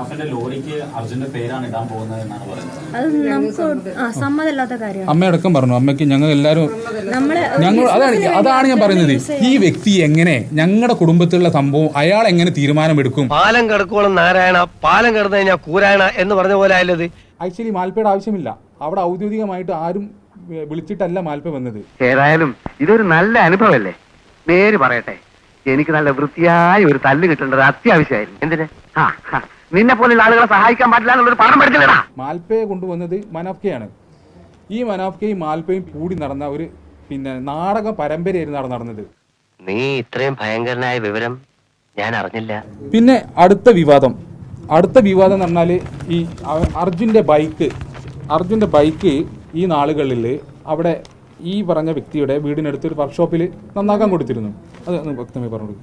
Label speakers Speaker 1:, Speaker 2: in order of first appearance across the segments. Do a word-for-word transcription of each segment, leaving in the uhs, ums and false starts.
Speaker 1: മനാഫിന്റെ ലോറിക്ക് അർജുന്റെ പേരാണ് ഇടാൻ പോകുന്നത് എന്നാണ് പറയുന്നത്.
Speaker 2: അത് നമുക്ക് സമ്മതമില്ലാത്ത കാര്യമാണ്.
Speaker 3: അമ്മയടക്കം പറഞ്ഞു, അമ്മയ്ക്ക് ഞങ്ങൾ എല്ലാവരും ഞങ്ങൾ അതാണ് അതാണ് ഞാൻ പറയുന്നത്. ഈ വ്യക്തി എങ്ങനെ ഞങ്ങളുടെ കുടുംബത്തിലുള്ള സംഭവം അയാൾ എങ്ങനെ തീരുമാനമെടുക്കും?
Speaker 4: പാലം കിടക്കോളം നാരായണ, പാലം കിടന്നു കഴിഞ്ഞാൽ കൂരായണ എന്ന് പറഞ്ഞ പോലെ ആയല്ലത്.
Speaker 3: ആക്ച്വലി മാൽപ്പയുടെ ആവശ്യമില്ല. അവിടെ ഔദ്യോഗികമായിട്ട് ആരും വിളിച്ചിട്ടല്ല മാൽപ്പ വന്നത്.
Speaker 5: ഏതായാലും ഇതൊരു നല്ല അനുഭവമല്ലേ. നേര് പറയട്ടെ, എനിക്ക് നല്ല വൃത്തിയായ ഒരു തല്ല് കിട്ടേണ്ടത് അത്യാവശ്യമായിരുന്നു. എന്തിന്? നിന്നെ പോലുള്ള ആളുകളെ സഹായിക്കാൻ പാടില്ല എന്നുള്ളൊരു പാഠം പഠിച്ചില്ലടാ.
Speaker 3: മാൽപ്പയെ കൊണ്ടുവന്നത് മനാഫ്കയാണ്. ഈ മനാഫ്കയും മാൽപ്പയും കൂടി നടന്ന ഒരു പിന്നെ നാടക പരമ്പരയായിരുന്നു അവിടെ നടന്നത്.
Speaker 4: നീ ഇത്രയും ഭയങ്കരനായ വിവരം ഞാൻ അറിഞ്ഞില്ല.
Speaker 3: പിന്നെ അടുത്ത വിവാദം അടുത്ത വിവാദം എന്ന് പറഞ്ഞാൽ ഈ അർജുൻ്റെ ബൈക്ക് അർജുൻ്റെ ബൈക്ക് ഈ നാളുകളിൽ അവിടെ ഈ പറഞ്ഞ വ്യക്തിയുടെ വീടിനടുത്ത് ഒരു വർക്ക്ഷോപ്പിൽ നന്നാക്കാൻ കൊടുത്തിരുന്നു. അത് വ്യക്തമായി പറഞ്ഞു.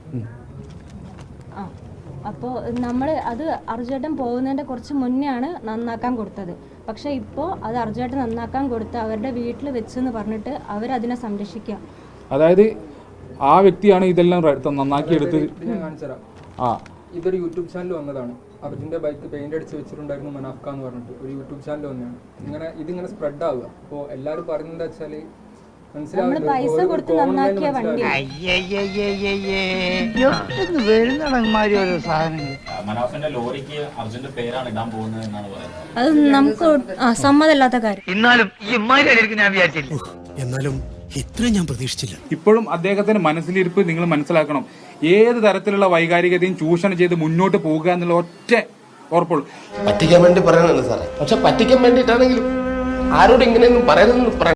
Speaker 2: അപ്പോൾ നമ്മൾ അത് അർജുവേട്ടൻ പോകുന്നതിൻ്റെ കുറച്ച് മുന്നെയാണ് നന്നാക്കാൻ കൊടുത്തത്. പക്ഷേ ഇപ്പോൾ അത് അർജുവേട്ടൻ നന്നാക്കാൻ കൊടുത്ത് അവരുടെ വീട്ടിൽ വെച്ചെന്ന് പറഞ്ഞിട്ട് അവരതിനെ സംരക്ഷിക്കുക.
Speaker 3: അതായത് ആ വ്യക്തിയാണ് ഇതെല്ലാം നന്നാക്കിയെടുത്ത്.
Speaker 6: ആ ഇതൊരു യൂട്യൂബ് ചാനൽ വന്നതാണ്. അർജുൻ്റെ ബൈക്ക് പെയിന്റ് അടിച്ച് വെച്ചിട്ടുണ്ടായിരുന്നു മനാഫ്ക എന്ന് പറഞ്ഞിട്ട് ഒരു യൂട്യൂബ് ചാനൽ വന്നതാണ്. ഇങ്ങനെ ഇതിങ്ങനെ സ്പ്രെഡ് ആവുക. അപ്പോൾ എല്ലാവരും പറയുന്നത് എന്താ വെച്ചാൽ
Speaker 2: പൈസ കൊടുത്ത് നന്നാക്കിയ വണ്ടി
Speaker 1: മനാഫിന്റെ ലോറിക്ക് അർജുന്റെ പേരാണ് ഇടാൻ പോകുന്നത് എന്നാണ് പറയുന്നത്.
Speaker 2: അത് നമുക്ക് സമ്മതമില്ലാത്ത കാര്യം.
Speaker 7: എന്നാലും ഇത്രയും ഞാൻ പ്രതീക്ഷിച്ചില്ല.
Speaker 3: ഇപ്പോഴും അദ്ദേഹത്തിന്റെ മനസ്സിലിരിപ്പ് നിങ്ങൾ മനസ്സിലാക്കണം. ഏത് തരത്തിലുള്ള വൈകാരികതയും ചൂഷണം ചെയ്ത് മുന്നോട്ട് പോകുക എന്നുള്ള ഒറ്റ ഉറപ്പുള്ളൂ.
Speaker 8: പറ്റിക്കാൻ വേണ്ടി പറയുന്നതാണ് സാറേ. പക്ഷെ പറ്റിക്കാൻ വേണ്ടിയിട്ടാണെങ്കിലും ആരോട് ഇങ്ങനെയൊന്നും പറയുന്നത്